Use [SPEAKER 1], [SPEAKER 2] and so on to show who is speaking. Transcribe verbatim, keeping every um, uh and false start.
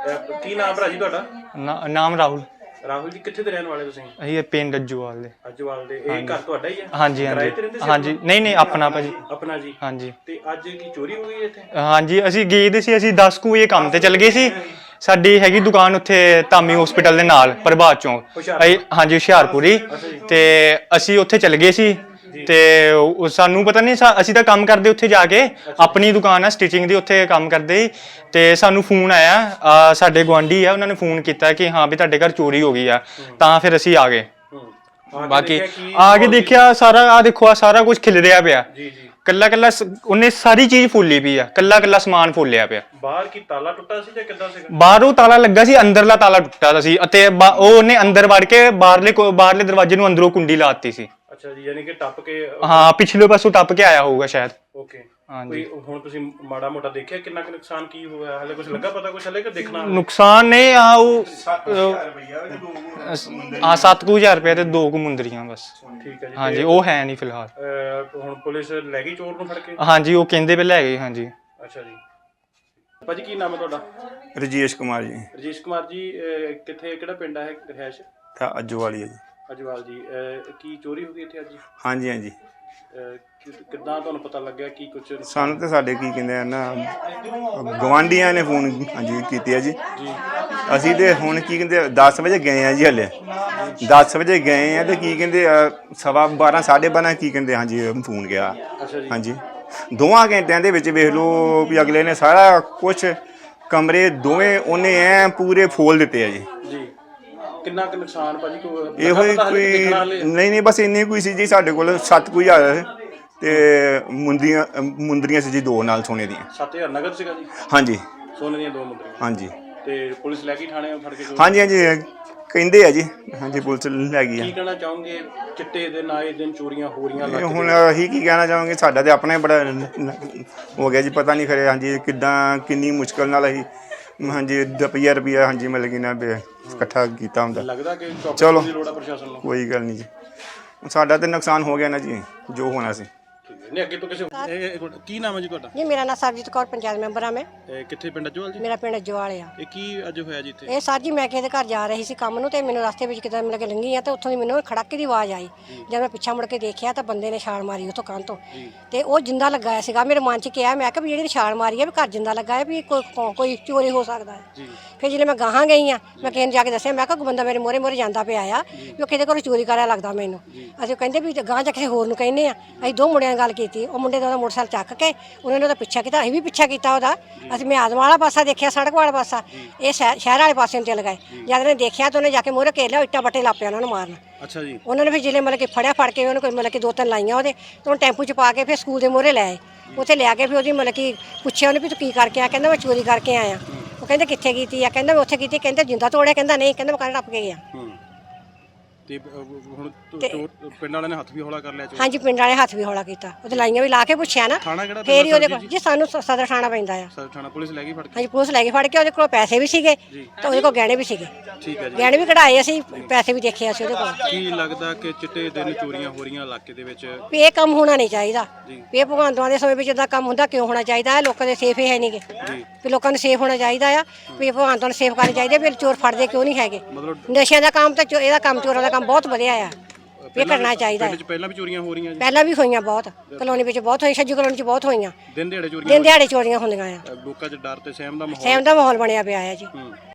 [SPEAKER 1] ਕੀ ਨਾਮ ਭਰਾ ਜੀ ਤੁਹਾਡਾ?
[SPEAKER 2] ਨਾ- ਨਾਮ ਰਾਹੁਲ।
[SPEAKER 1] ਰਾਹੁਲ ਜੀ ਕਿੱਥੇ ਦੇ ਰਹਿਣ ਵਾਲੇ ਤੁਸੀਂ?
[SPEAKER 2] ਅਸੀਂ ਪਿੰਡ ਅੱਜੂਵਾਲ ਦੇ।
[SPEAKER 1] ਅੱਜਵਾਲ ਦੇ। ਇਹ ਘਰ ਤੁਹਾਡਾ ਹੀ ਹੈ?
[SPEAKER 2] ਹਾਂਜੀ ਹਾਂਜੀ ਹਾਂਜੀ। ਨਹੀਂ ਨਹੀਂ ਆਪਣਾ ਭਾਜੀ।
[SPEAKER 1] ਆਪਣਾ ਜੀ। ਹਾਂਜੀ। ਤੇ ਅੱਜ ਕੀ ਚੋਰੀ ਹੋ ਗਈ ਇੱਥੇ? ਹਾਂਜੀ
[SPEAKER 2] ਅਸੀਂ ਗਏ ਦੇ ਸੀ, ਅਸੀਂ ਦਸ ਕੁ ਵਜੇ ਕੰਮ ਤੇ ਚਲ ਗਏ ਸੀ। ਸਾਡੀ ਹੈਗੀ ਦੁਕਾਨ ਉੱਥੇ ਧਾਮੀ ਹਸਪੀਟਲ ਦੇ ਨਾਲ ਪ੍ਰਭਾਤ ਚੌਂਕ, ਹਾਂਜੀ ਹੁਸ਼ਿਆਰਪੁਰੀ। ਤੇ ਅਸੀਂ ਉੱਥੇ ਚਲ ਗਏ ਸੀ ਤੇ ਸਾਨੂੰ ਪਤਾ ਨਹੀਂ, ਅਸੀਂ ਤਾਂ ਕੰਮ ਕਰਦੇ ਉੱਥੇ ਜਾ ਕੇ, ਆਪਣੀ ਦੁਕਾਨ ਆ ਸਟਿਚਿੰਗ ਦੀ, ਉੱਥੇ ਕੰਮ ਕਰਦੇ ਤੇ ਸਾਨੂੰ ਫੋਨ ਆਇਆ, ਸਾਡੇ ਗੁਆਂਢੀ ਆ, ਉਹਨਾਂ ਨੇ ਫੋਨ ਕੀਤਾ ਕਿ ਹਾਂ ਵੀ ਤੁਹਾਡੇ ਘਰ ਚੋਰੀ ਹੋ ਗਈ ਆ। ਤਾਂ ਫਿਰ ਅਸੀਂ ਆ ਗਏ। ਬਾਕੀ ਆ ਕੇ ਦੇਖਿਆ ਸਾਰਾ, ਆ ਦੇਖੋ ਆ ਸਾਰਾ ਕੁਝ ਖਿਲ ਰਿਹਾ ਪਿਆ। ਕੱਲਾ ਕੱਲਾ ਉਹਨੇ ਸਾਰੀ ਚੀਜ਼ ਫੁੱਲੀ ਪਈ ਆ, ਕੱਲਾ ਕੱਲਾ ਸਮਾਨ ਫੁੱਲਿਆ ਪਿਆ।
[SPEAKER 1] ਬਾਹਰ ਕੀ ਤਾਲਾ ਟੁੱਟਾ ਸੀ ਜਾਂ ਕਿੱਦਾਂ ਸੀਗਾ?
[SPEAKER 2] ਬਾਹਰੋਂ ਤਾਲਾ ਲੱਗਾ ਸੀ, ਅੰਦਰਲਾ ਤਾਲਾ ਟੁੱਟਾ ਸੀ ਅਤੇ ਉਹ ਉਹਨੇ ਅੰਦਰ ਵੜ ਕੇ ਬਾਹਰਲੇ ਬਾਹਰਲੇ ਦਰਵਾਜ਼ੇ ਨੂੰ ਅੰਦਰੋਂ ਕੁੰਡੀ ਲਾਤੀ ਸੀ। ਅੱਛਾ ਜੀ, ਯਾਨੀ ਕਿ ਟੱਪ ਕੇ, ਹਾਂ ਪਿਛਲੇ ਪਾਸੋਂ ਟੱਪ ਕੇ ਆਇਆ ਹੋਊਗਾ ਸ਼ਾਇਦ। ਓਕੇ ਹਾਂਜੀ। ਹੁਣ ਤੁਸੀਂ ਮਾੜਾ ਮੋਟਾ ਦੇਖਿਆ ਕਿੰਨਾ ਕੁ ਨੁਕਸਾਨ ਕੀ ਹੋਇਆ? ਹਲੇ ਕੁਝ ਲੱਗਾ ਪਤਾ? ਕੁਝ ਹਲੇ ਕਿ ਦੇਖਣਾ? ਨੁਕਸਾਨ ਨੇ ਆ ਉਹ ਹਾਂ ਸੱਤ ਕੁ ਹਜ਼ਾਰ ਰੁਪਏ ਤੇ ਦੋ ਕੁ ਮੁੰਦਰੀਆਂ ਬਸ। ਠੀਕ ਹੈ ਜੀ। ਹਾਂਜੀ ਉਹ ਹੈ ਨਹੀਂ ਫਿਲਹਾਲ। ਹੁਣ ਪੁਲਿਸ ਲੈ ਗਈ ਚੋਰ ਨੂੰ ਫੜ ਕੇ? ਹਾਂਜੀ ਉਹ ਕਹਿੰਦੇ ਵੀ ਲੈ ਗਏ। ਹਾਂਜੀ। ਅੱਛਾ ਜੀ। ਭਾਜੀ ਕੀ ਨਾਮ ਹੈ ਤੁਹਾਡਾ?
[SPEAKER 3] ਰਜੇਸ਼ ਕੁਮਾਰ ਜੀ।
[SPEAKER 1] ਰਜੇਸ਼ ਕੁਮਾਰ ਜੀ ਕਿੱਥੇ, ਕਿਹੜਾ ਪਿੰਡ ਹੈ ਰਿਹਾਇਸ਼?
[SPEAKER 3] ਅੱਜਵਾਲੀ ਹੈ ਜੀ।
[SPEAKER 1] ਅੱਜਵਾਲ ਜੀ। ਕੀ ਚੋਰੀ ਹੋ ਗਈ ਇੱਥੇ ਅੱਜ?
[SPEAKER 3] ਹਾਂਜੀ ਹਾਂਜੀ।
[SPEAKER 1] ਕਿੱਦਾਂ ਤੁਹਾਨੂੰ ਪਤਾ ਲੱਗਿਆ? ਕੀ ਕੁਝ
[SPEAKER 3] ਸਾਨੂੰ ਤੇ ਸਾਡੇ ਕੀ ਕਹਿੰਦੇ ਆ ਨਾ ਗਵਾਂਢੀਆਂ ਨੇ ਫੋਨ ਹਾਂਜੀ ਕੀਤੀ ਹੈ ਜੀ। ਅਸੀਂ ਤੇ ਹੁਣ ਕੀ ਕਹਿੰਦੇ ਦਸ ਵਜੇ ਗਏ ਆ ਜੀ, ਹਲੇ ਦਸ ਵਜੇ ਗਏ ਆ ਤੇ ਕੀ ਕਹਿੰਦੇ ਸਵਾ ਬਾਰਾਂ ਸਾਢੇ ਬਾਰਾਂ ਕੀ ਕਹਿੰਦੇ ਹਾਂਜੀ ਫੋਨ ਗਿਆ। ਹਾਂਜੀ ਦੋਵਾਂ ਘੰਟਿਆਂ ਦੇ ਵਿੱਚ ਵੇਖ ਲਓ ਵੀ ਅਗਲੇ ਨੇ ਸਾਰਾ ਕੁਛ ਕਮਰੇ ਦੋਵੇਂ ਉਹਨੇ ਐ ਪੂਰੇ ਫੋਲ ਦਿੱਤੇ ਆ ਜੀ।
[SPEAKER 1] ਕਿੰਨਾ ਕੁ ਨੁਕਸਾਨ ਭਾਜੀ?
[SPEAKER 3] ਇਹੋ ਹੀ ਕੋਈ ਨਹੀਂ ਨਹੀਂ ਬਸ ਇੰਨੀ ਕੋਈ ਸੀ ਜੀ ਸਾਡੇ ਕੋਲ। ਸੱਤ ਕੁ ਹਜ਼ਾਰ ਤੇ ਮੁੰਦਰੀਆਂ ਮੁੰਦਰੀਆਂ ਸੀ ਜੀ ਦੋ ਨਾਲ ਸੋਨੇ ਦੀਆਂ।
[SPEAKER 1] ਸੱਤ ਹਜ਼ਾਰ ਨਗਦ ਸੀਗਾ ਜੀ? ਹਾਂਜੀ ਸੋਨੇ ਦੀਆਂ ਦੋ ਮੁੰਦਰੀਆਂ। ਹਾਂਜੀ। ਤੇ ਪੁਲਿਸ ਲੈ ਗਈ ਥਾਣੇ ਫੜ ਕੇ?
[SPEAKER 3] ਹਾਂਜੀ ਹਾਂਜੀ ਕਹਿੰਦੇ ਆ ਜੀ। ਹਾਂਜੀ ਪੁਲਿਸ ਲੈ ਗਈ ਆ।
[SPEAKER 1] ਕੀ ਕਹਿਣਾ ਚਾਹੋਗੇ? ਚਿੱਟੇ ਦਿਨ ਆਏ ਦਿਨ ਚੋਰੀਆਂ ਹੋ ਰਹੀਆਂ।
[SPEAKER 3] ਹੁਣ ਅਸੀਂ ਕੀ ਕਹਿਣਾ ਚਾਹਾਂਗੇ, ਸਾਡਾ ਤੇ ਆਪਣਾ ਹੀ ਬੜਾ ਹੋ ਗਿਆ ਜੀ। ਪਤਾ ਨਹੀਂ ਖਰੇ ਹਾਂਜੀ ਕਿੱਦਾਂ ਕਿੰਨੀ ਮੁਸ਼ਕਿਲ ਨਾਲ ਅਸੀਂ ਹਾਂਜੀ ਰੁਪਈਆ ਰੁਪਈਆ ਹਾਂਜੀ ਮਤਲਬ ਕਿ ਨਾ ਇਕੱਠਾ ਕੀਤਾ ਹੁੰਦਾ। ਲੱਗਦਾ ਕਿ ਚਲੋ ਪ੍ਰਸ਼ਾਸਨ ਨੂੰ ਕੋਈ ਗੱਲ ਨਹੀਂ ਜੀ, ਸਾਡਾ ਤੇ ਨੁਕਸਾਨ ਹੋ ਗਿਆ ਨਾ ਜੀ ਜੋ ਹੋਣਾ ਸੀ।
[SPEAKER 1] ਨਹੀਂ ਅੱਗੇ ਤੋਂ ਕਿਸੇ। ਕੀ ਨਾਮ ਹੈ ਜੀ ਤੁਹਾਡਾ?
[SPEAKER 4] ਜੀ ਮੇਰਾ ਨਾਮ ਸਰਜੀਤ ਕੌਰ, ਪੰਚਾਇਤ ਮੈਂਬਰ ਆ ਮੈਂ।
[SPEAKER 1] ਕਿੱਥੇ ਪਿੰਡ ਅੱਜਵਾਲ ਜੀ? ਮੇਰਾ
[SPEAKER 4] ਪਿੰਡ ਅੱਜਵਾਲ ਆ।
[SPEAKER 1] ਇਹ ਕੀ ਅੱਜ ਹੋਇਆ ਜੀ ਇੱਥੇ?
[SPEAKER 4] ਇਹ ਸਰ ਜੀ ਮੈਂ ਕਿਸੇ ਦੇ ਘਰ ਜਾ ਰਹੀ ਸੀ ਕੰਮ ਨੂੰ ਤੇ ਮੈਨੂੰ ਰਸਤੇ ਵਿੱਚ ਕਿਤੇ ਮਿਲ ਕੇ ਲੰਘੀ ਆ ਤੇ ਉੱਥੋਂ ਦੀ ਮੈਨੂੰ ਖੜਾਕੇ ਦੀ ਆਵਾਜ਼ ਆਈ। ਜਦ ਮੈਂ ਪਿੱਛਾ ਮੁੜ ਕੇ ਦੇਖਿਆ ਤਾਂ ਬੰਦੇ ਨੇ ਛਾਲ ਮਾਰੀ ਉੱਥੋਂ ਕੰਧ ਤੋਂ ਤੇ ਉਹ ਜਿੰਦਾ ਲੱਗਾ ਸੀਗਾ। ਮੇਰੇ ਮਨ 'ਚ ਕਿਹਾ, ਮੈਂ ਕਿਹਾ ਵੀ ਜਿਹੜੀ ਛਾਲ ਮਾਰੀ ਆ ਵੀ ਘਰ ਜਿੰਦਾ ਲੱਗਾ ਹੈ ਵੀ ਕੋਈ ਕੋਈ ਚੋਰੀ ਹੋ ਸਕਦਾ ਹੈ। ਫਿਰ ਜਦੋਂ ਮੈਂ ਗਾਹਾਂ ਗਈ ਆ ਮੈਂ ਕਿਸੇ ਨੂੰ ਜਾ ਕੇ ਦੱਸਿਆ, ਮੈਂ ਕਿਹਾ ਬੰਦਾ ਮੇਰੇ ਮੋਹਰੇ ਮੋਹਰੇ ਜਾਂਦਾ ਪਿਆ ਆ ਵੀ ਉਹ ਕਿਤੇ ਕੋਲ ਚੋਰੀ ਕਰਿਆ ਲੱਗਦਾ ਮੈਨੂੰ। ਅਸੀਂ ਕਹਿੰਦੇ ਵੀ ਗਾਹਾਂ ਜਾ ਕਿਸੇ ਹੋਰ ਨੂੰ ਕਹਿੰਦੇ ਆ। ਅਸੀਂ ਦੋ ਮੁੰਡਿਆਂ ਨਾਲ ਗੱਲ ਕੀਤੀ, ਉਹ ਮੁੰਡੇ ਦਾ ਉਹਦਾ ਮੋਟਰਸਾਈਕਲ ਚੱਕ ਕੇ ਉਹਨਾਂ ਨੇ ਉਹਦਾ ਪਿੱਛਾ ਕੀਤਾ, ਅਸੀਂ ਵੀ ਪਿੱਛਾ ਕੀਤਾ ਉਹਦਾ। ਅਸੀਂ ਮੈਂ ਆਦਮ ਵਾਲਾ ਪਾਸਾ ਦੇਖਿਆ, ਸੜਕ ਵਾਲਾ ਪਾਸਾ, ਇਹ ਸ਼ਹਿਰ ਵਾਲੇ ਪਾਸੇ ਨੂੰ ਚਲ ਗਏ। ਜਦ ਨੇ ਦੇਖਿਆ ਤਾਂ ਉਹਨੇ ਜਾ ਕੇ ਮੋਹਰੇ ਘੇਰ ਲਿਆ, ਇੱਟਾਂ ਬੱਟੇ ਲਾਪਿਆ ਉਹਨਾਂ ਨੂੰ ਮਾਰਨ। ਅੱਛਾ ਜੀ। ਉਹਨਾਂ ਨੇ ਫਿਰ ਜਿਲੇ ਮਤਲਬ ਕਿ ਫੜਿਆ, ਫੜ ਕੇ ਉਹਨੂੰ ਕੋਈ ਮਤਲਬ ਕਿ ਦੋ ਤਿੰਨ ਲਾਈਆਂ ਉਹਦੇ ਤੇ ਉਹਨੂੰ ਟੈਂਪੂ 'ਚ ਪਾ ਕੇ ਫਿਰ ਸਕੂਲ ਦੇ ਮੋਹਰੇ ਲੈ ਆਏ। ਉੱਥੇ ਲਿਆ ਕੇ ਫਿਰ ਉਹਦੀ ਮਤਲਬ ਕਿ ਪੁੱਛਿਆ ਉਹਨੇ ਵੀ ਤੂੰ ਕੀ ਕਰਕੇ ਆ? ਕਹਿੰਦਾ ਮੈਂ ਚੋਰੀ ਕਰਕੇ ਆਇਆ। ਉਹ ਕਹਿੰਦੇ ਕਿੱਥੇ ਕੀਤੀ ਆ? ਕਹਿੰਦਾ ਮੈਂ ਉੱਥੇ ਕੀਤੀ। ਕਹਿੰਦੇ ਜਿੰਦਾ ਤੋੜਿਆ? ਕਹਿੰਦਾ ਨਹੀਂ, ਕਹਿੰਦਾ ਮੈਂ ਕੰਨ ਟੱਪ ਕੇ ਗਿਆ। ਤੇ ਹੁਣ ਪਿੰਡ ਵਾਲਿਆਂ ਨੇ ਹੱਥ ਵੀ ਹੌਲਾ ਕਰ ਲਿਆ? ਹਾਂਜੀ ਪਿੰਡ ਵਾਲੇ ਹੱਥ ਵੀ ਹੌਲਾ ਕੀਤਾ, ਉਹਦੇ ਲਾਈਆਂ ਵੀ ਲਾ ਕੇ ਪੁੱਛਿਆ ਨਾ ਫੇਰ ਹੀ ਉਹਦੇ ਕੋਲ ਜੀ। ਸਾਨੂੰ ਸਦਰ ਥਾਣਾ ਪੈਂਦਾ ਆ। ਸਦਰ ਥਾਣਾ ਪੁਲਿਸ ਲੈ ਗਈ ਫੜ ਕੇ? ਹਾਂਜੀ ਪੁਲਿਸ ਲੈ ਗਈ ਫੜ ਕੇ। ਉਹਦੇ ਕੋਲ ਪੈਸੇ ਵੀ ਸੀਗੇ ਤੇ ਉਹਦੇ ਕੋਲ ਗਹਿਣੇ ਵੀ ਸੀਗੇ। ਠੀਕ ਹੈ ਜੀ। ਗਹਿਣੇ ਵੀ ਕਢਾਏ ਅਸੀਂ, ਪੈਸੇ ਵੀ ਦੇਖੇ ਅਸੀਂ ਉਹਦੇ ਕੋਲ। ਕੀ ਲੱਗਦਾ ਕਿ ਚਿੱਟੇ ਦਿਨ ਚੋਰੀਆਂ ਹੋ ਰਹੀਆਂ ਇਲਾਕੇ ਦੇ ਵਿੱਚ? ਵੀ ਇਹ ਕੰਮ ਹੋਣਾ ਨਹੀਂ ਚਾਹੀਦਾ। ਵੀ ਇਹ ਭਗਵੰਤਾਂ ਦੇ ਸਮੇਂ ਵਿੱਚ ਇਦਾਂ ਕੰਮ ਹੁੰਦਾ ਕਿਉਂ ਹੋਣਾ ਚਾਹੀਦਾ? ਲੋਕਾਂ ਦੇ ਸੇਫ ਹੀ ਹੈ ਨਹੀਂਗੇ ਵੀ ਲੋਕਾਂ ਨੂੰ ਸੇਫ ਹੋਣਾ ਚਾਹੀਦਾ ਆ। ਵੀ ਭਗਵੰਤਾਂ ਨੂੰ ਸੇਫ ਕਰਨੀ ਚਾਹੀਦੀ। ਵੀ ਚੋਰ ਫੜਦੇ ਕਿਉਂ ਨਹੀਂ ਹੈਗੇ? ਨਸ਼ਿਆਂ ਦਾ ਕੰਮ ਤਾਂ ਇਹਦਾ ਕੰਮ ਚੋਰਾਂ ਦਾ ਕੰਮ ਬਹੁਤ ਵਧੀਆ ਆ, ਇਹ ਕਰਨਾ ਚਾਹੀਦਾ ਹੈ। ਪਹਿਲਾਂ ਵੀ ਚੋਰੀਆਂ ਹੋ ਰਹੀਆਂ? ਪਹਿਲਾਂ ਵੀ ਹੋਈਆਂ ਬਹੁਤ, ਕਲੋਨੀ ਵਿੱਚ ਬਹੁਤ ਹੋਈਆਂ, ਛੱਜੂ ਕਲੋਨੀ 'ਚ ਬਹੁਤ ਹੋਈਆਂ। ਦਿਨ ਦਿਹਾੜੇ ਚੋਰੀਆਂ? ਦਿਨ ਦਿਹਾੜੇ ਚੋਰੀਆਂ ਹੁੰਦੀਆਂ ਆ। ਲੋਕਾਂ 'ਚ ਡਰ ਤੇ ਸਹਿਮ ਦਾ ਮਾਹੌਲ ਸਹਿਮ ਦਾ ਮਾਹੌਲ ਬਣਿਆ ਪਿਆ ਆ ਜੀ।